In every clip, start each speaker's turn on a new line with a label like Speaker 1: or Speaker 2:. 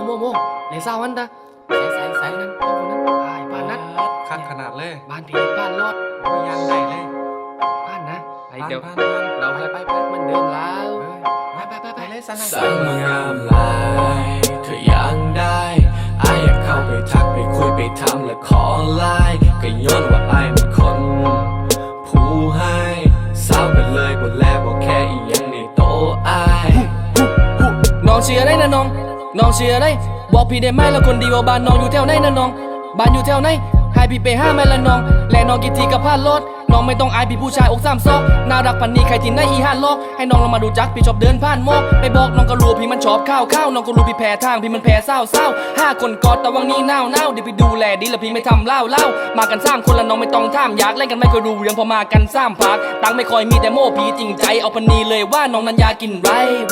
Speaker 1: โมเลยเศร้าวันตาใส่นั้นคนนั้นไอ้บ้านนั้น
Speaker 2: คักขนาดเลย
Speaker 1: บ้านพี่บ้านรอด
Speaker 2: ยังได้เลย
Speaker 1: บ้านนะไอเดี๋ยว
Speaker 2: เรา
Speaker 1: ไปมันเดิมแล้วไป
Speaker 2: เลยสั่
Speaker 3: งมางามลายเธอยังได้ไอ้อยากเข้าไปทักไปคุยไปทำและขอไลน์ก็ย้อนว่าไอ้เป็นคนผู้ให้เศร้ากันเลยบนแลบอกแค่อีหยังในโตไอ้
Speaker 1: น้องเชียร์ได้นะน้องเชียร์ได้บอกพี่ได้ไหมแล้วคนดีว่าบ้านน้องอยู่แถวไหนนะน้องบ้านอยู่แถวไหนให้พี่ไป5 แม่ละน้องและน้องกี่ทีกับพลาดรถน้องไม่ต้องอายพี่ผู้ชายอก3 ซอกน่ารักพันนี้ใครที่ไหนอี5 ลอกให้น้องลองมาดูจักพี่ชอบเดินผ่านมอกไปบอกน้องก็รู้พี่มันชอบข้าวน้องก็รู้พี่แพ้ทางพี่มันแพ้เศร้า5 คนกอดแต่วังนี้หนาวเดี๋ยวพี่ดูแลดีแล้วพี่ไม่ทำเล่ามากัน3 คนแล้วน้องไม่ต้องท่ามอยากเล่นกันไม่เคยรู้เรื่องพอมากัน3 พักตังไม่ค่อยมีแต่โม่พี่จริงใจเอาพันนี้เลยว่าน้องนั้นอยากกินไร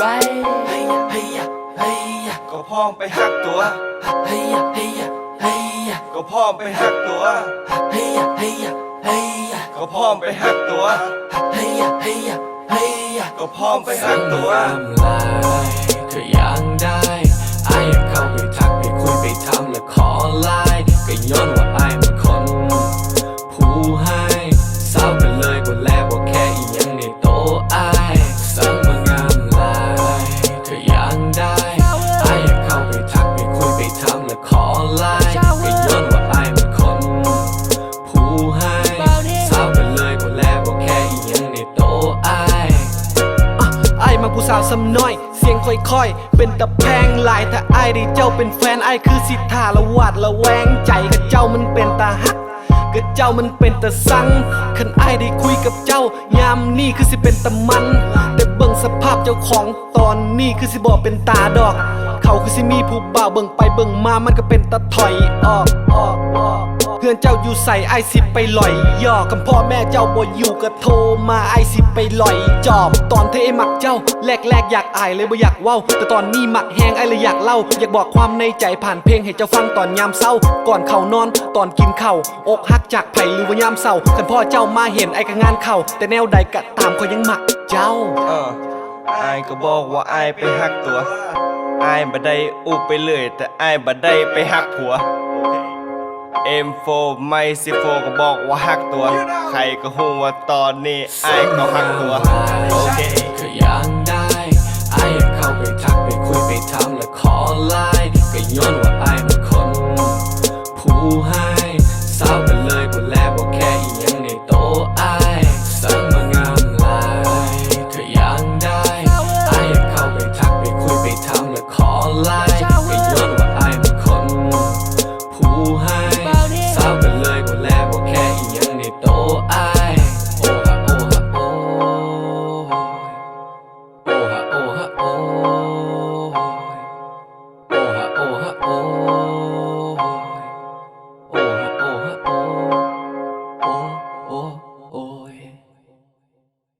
Speaker 2: ก็พร้อมไปหักตัวก็พร้อมไปหักตัวก็พร้อมไปหักตัวก็พร้อมไปหักตัว
Speaker 3: เธอยังได้ไอ้อยากเข้าไปทักไปคุยไปทำและขอไลน์ก็ย้อนว่าไอ้เป็นคนผู้ให้เศร้ากันเลยบนแลบอกแค่อีหยังในโตไอ้สั่งมางามลายเธอยังได้ไอ้อยากเข้าไปทักไปคุยไปทำและขอไลน์ก็ย้อนว่าไอ้เป็นคนผู้ให้เศร้ากันเลยบนแลบอกแค่อีหยังในโตไอ้
Speaker 4: มาผู้สาวซ้ำน้อยเสียงค่อยๆเป็นตะแพงหลายถ้าไอ้ได้เจ้าเป็นแฟนไอ้คือสิทธาละวาดละแวงใจกับเจ้ามันเป็นตาฮักกับเจ้ามันเป็นตาสังคันไอ้ได้คุยกับเจ้ายามนี่คือสิเป็นตะมันแต่เบิ่งสภาพเจ้าของตอนนี้คือสิบอกเป็นตาดอกเขาคือสิมีผู้บ่าวเบิ่งไปเบิ่งมามันก็เป็นตาถอยออกเพื่อนเจ้าอยู่ใส่ไอสิไปลอยย่อคำพ่อแม่เจ้าบ่อยู่ก็โทรมาไอสิไปลอยจอบตอนเธอมักเจ้าแรกอยากอายเลยบ่อยากเว้าแต่ตอนนี้มักแหงไอเลยอยากเล่าอยากบอกความในใจผ่านเพลงให้เจ้าฟังตอนยามเศร้าก่อนเข้านอนตอนกินข้าวอกหักจากไผหรือว่ายามเศร้าคันพ่อเจ้ามาเห็นไอก็งานเข้าแต่แนวใดก็ตามเขายังมักเจ้า
Speaker 2: ไอ้ก็บอกว่าไอ้ไปหักตัวไอ้บ่ได้อุบไปเลยแต่ไอ้บ่ได้ไปหักผัวM4 ไม่C4ก็บอกว่าหักตัวใครก็ฮู้ว่าตอนนี้ไอ้ก็หักตัวโอเค
Speaker 3: คือยังได้ไอ้อยากเข้าไปทักไปคุยไปทำและขอไลน์ก็ย้อนว่าไอ้เป็นคนผู้ให้เศร้ากันเลยบนแลบอกแค่อีหยังในโตไอ้สั่งมางามลายคือยังได้ไอ้อยากเข้าไปทักไปคุยไปทำและขอไล